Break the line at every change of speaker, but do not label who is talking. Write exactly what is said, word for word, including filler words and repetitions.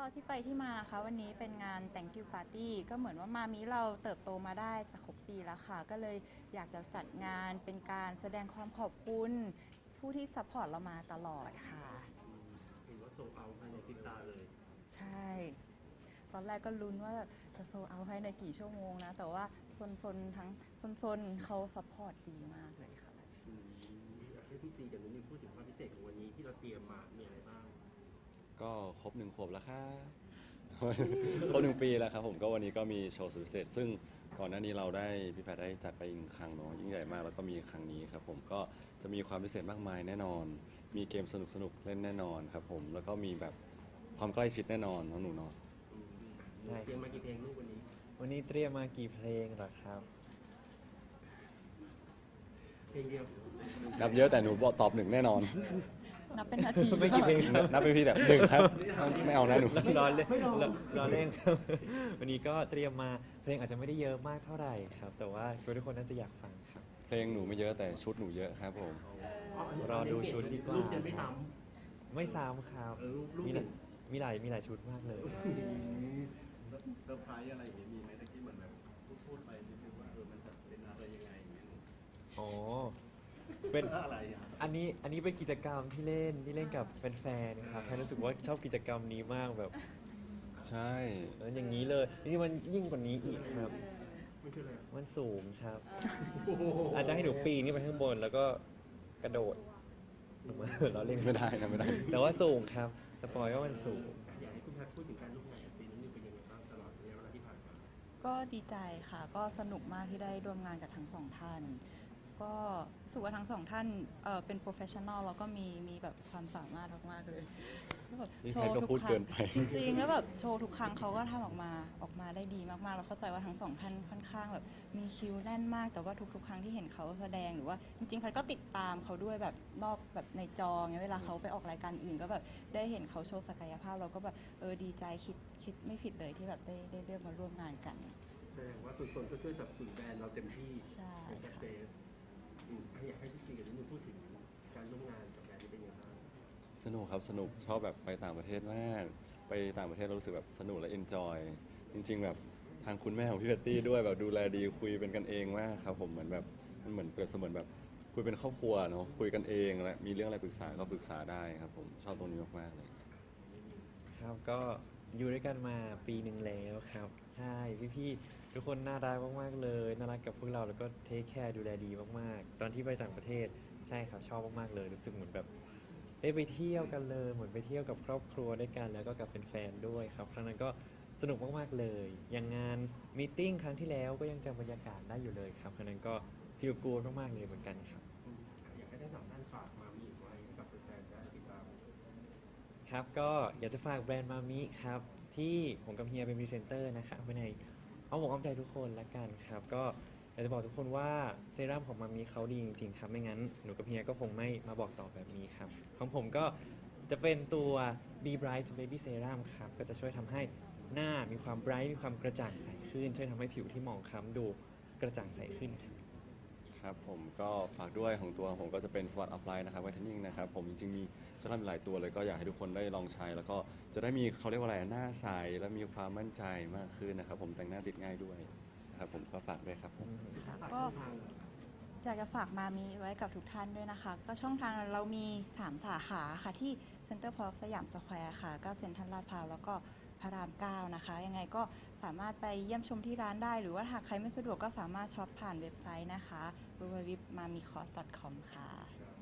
ที่ไปที่มานะคะวันนี้เป็นงาน Thank you Party ก็เหมือนว่ามามิเราเติบโตมาได้จะครบปีแล้วค่ะก็เลยอยากจะจัดงานเป็นการแสดงความขอบคุณผู้ที่ซัพพอร์ตเรามาตลอดค่ะ
ถือว่าโซเอาภายในพริบตาเลย
ใช่ตอนแรกก็ลุ้นว่าจะโซเอาให้ในกี่ชั่วโมงนะแต่ว่าโซนๆทั้งโซนๆเขาซัพพอร์ตดีมากเลยค่ะ
อืมอยากให้พี่ซีกับนุ้ยพูดถึงความพิเศษของวันนี้ที่เราเตรียมมามีอะไรบ้าง
ก็ครบหนึ่งขวบแล้วครับ ครบหนึ่งปีแล้วครับผมก็วันนี้ก็มีโชว์สุดพิเศษซึ่งก่อนหน้านี้เราได้พี่แพทย์ได้จัดไปอีกครั้งเนาะยิ่งใหญ่มากแล้วก็มีครั้งนี้ครับผมก็จะมีความพิเศษมากมายแน่นอน มีเกมสนุกสนุกเล่นแน่นอนครับผมแล้วก็มีแบบความใกล้ชิดแน่นอนน้องหนูเนาะ
อืมหนูเตรียมมากี่เพลงลูกวันนี้
วันนี้เตรียมมากี่เพลงเหรอครับ
เพลงเดียว
นับเยอะแต่หนูบอกตอบหนึ่งแน่นอน
นับเป็นนาที
ไม่กี่เพลงครับ
นับเป็นพี่แบบหนึ่งครับไม่เอานะหนู
รอเล่นรอเล่นครับ วันนี้ก็เตรียมมาเพลงอาจจะไม่ได้เยอะมากเท่าไหร่ครับ แต่ว่าคิดว่าทุกคนน่าจะอยากฟังครับ
เพลงหนูไม่เยอะแต่ชุดหนูเยอะครับผม
รอดูชุดดีกว่า
ลูกจะไม่ซ้
ไม่ซ้ำครับ
ำเออลูกลูก
มี
ห
ห
นึ่
ลาง ยมีหลายมีหลายชุดมากเลย
เซอร์ไพรส์อะไรอย่างเงี้ยมีไหมตะกี้เหมือนแบบพูดพูดไปนิดนึงว่าเออมันจะเป็นอะไรยังไงอย่างเงี้ย
อ๋อ เป็น
อะไรอ่ะ
อันนี้อันนี้เป็นกิจกรรมที่เล่นที่เล่นกับแฟนๆครับแพนรู้สึกว่าชอบกิจกรรมนี้มากแบบ
ใช่
เอออย่างนี้เลยนี่มันยิ่งกว่านี้อีกครับ
มันคืออะไรอ่ะ
มันสูงครับ
โอ้โห
อาจจะให้หนูปีนขึ้นไปข้างบนแล้วก็กระโดดลงมา เราเล่น
ไม่ได้นะไม่ได้
แต่ว่าสูงครับ สปอยว่ามันสูง
อยากให้คุณแพทย์พูดถึงการร่วมงานกับซีนุ่นเป็นยังไงบ้างตลอดระยะเวลาที่ผ่านมา
ก็ดีใจค่ะก็สนุกมากที่ได้ร่วมงานกับทั้งสองท่าน ก็รู้สึกว่าทั้งสองท่านเอ่อเป็นโปรเฟชชั่นอลแล้วก็มีมีแบบความสามารถมากๆเลยแล้วแบบ
นี่
โช
ใคร
ว์
ก็
ทุก
พูด
ครั้
เกิ
ง
นไป
จริงๆแล้วแบบโชว์ทุกครั้งเขาก็ทำออกมาออกมาได้ดีมากๆแล้วเข้าใจว่าทั้งสองท่านค่อนข้างแบบมีคิวแน่นมาก แต่ว่าทุกๆ ครั้งที่เห็นเขาแสดงหรือว่าจริงๆแพทย์ก็ติดตามเขาด้วยแบบนอกแบบในจอเงี้ยเวลาเขาไปออกรายการอื่นก็แบบได้เห็นเขาโชว์ศักยภาพเราก็แบบเออดีใจคิดคิดไม่ผิดเลยที่แบบได้ได้เลือกมาร่วมงานกัน
แสดงว่าส่วนส่วนก็ช่วยสนับสนุนแบรนด์เราเต็มที่
ใช่
เป็น
ค่ะ
เซสอืมอยากให้พี่ซีกับนุ้ยพูดถึงการร่วมงานกับแบรนด์นี้เป็นยังไงบ้าง
สนุกครับสนุกชอบแบบไปต่างประเทศมาก ไปต่างประเทศเรารู้สึกแบบสนุกและเอนจอยจริงๆแบบทางคุณแม่ของพี่แพตตี้ด้วยแบบดูแลดีคุยเป็นกันเองมากครับผมเหมือนแบบมันเหมือนเปรียบเสมือนแบบคุยเป็นครอบครัวเนาะคุยกันเองและมีเรื่องอะไรปรึกษาก็ปรึกษาได้ครับผมชอบตรงนี้มากๆเลย
ครับก็อยู่ด้วยกันมาปีหนึ่งแล้วครับ ใช่พี่ๆทุกคนน่ารักมากๆเลยน่ารักกับพวกเราแล้วก็เทคแคร์ดูแลดีมากๆ ตอนที่ไปต่างประเทศใช่ครับชอบมากๆเลยรู้สึกเหมือนแบบได้ไปเที่ยวกันเลยเหมือนไปเที่ยวกับครอบครัวด้วยกันแล้วก็กับแฟนๆด้วยครับครั้งนั้นก็สนุกมากๆเลยอย่างงานมีตติ้งครั้งที่แล้วก็ยังจำบรรยากาศได้อยู่เลยครับครั้งนั้นก็ฟีลกูดมากๆเลยเหมือนกันครับ
อืมอยากให้ได้สองท่านฝากมามีอีกไว้ให้กับแฟนๆได้ติดตาม
ครับก็อยากจะฝากแบรนด์มามิครับที่ผมกับเฮียเป็นพรีเซนเตอร์นะครับไว้ในเอาอกเอาใจทุกคนละกันครับก็อยากจะบอกทุกคนว่าเซรั่มของมามิเขาดีจริงๆครับไม่งั้นหนูกับเฮียก็คงไม่มาบอกต่อแบบนี้ครับของผมก็จะเป็นตัว Be Bright Baby Serum ครับก็จะช่วยทำให้หน้ามีความ bright มีความกระจ่างใสขึ้นช่วยทำให้ผิวที่หมองคล้ำดูกระจ่างใสขึ้นครับ
ครับผมก็ฝากด้วยของตัวผมก็จะเป็นสวัสดิ์อัพไลน์นะครับไวท์เทนนิ่งนะครับผมจริงๆมีสลับหลายตัวเลยก็อยากให้ทุกคนได้ลองใช้ แล้วก็จะได้มีเขาเรียกว่าอะไรหน้าใสและมีความมั่นใจมากขึ้นนะครับผมแต่งหน้าติดง่ายด้วยนะครับผมก็ฝากด้วยครับผม
ค่ะ
ฝาก
ก็
ช่องทาง
อยากจะฝากมามีไว้กับทุกท่านด้วยนะคะ ก็ช่องทางเรามี สาม สาขาค่ะที่เซ็นเตอร์พาร์คสยามสแควร์ค่ะ ก็เซ็นทรัลลาดพร้าวแล้วก็พระรามเก้านะคะ ยังไงก็สามารถไปเยี่ยมชมที่ร้านได้ หรือว่าหากใครไม่สะดวกก็สามารถช็อปผ่านเว็บไซต์นะคะ ดับเบิลยู ดับเบิลยู ดับเบิลยู ดอท มามิคอส ดอท คอม ค่ะ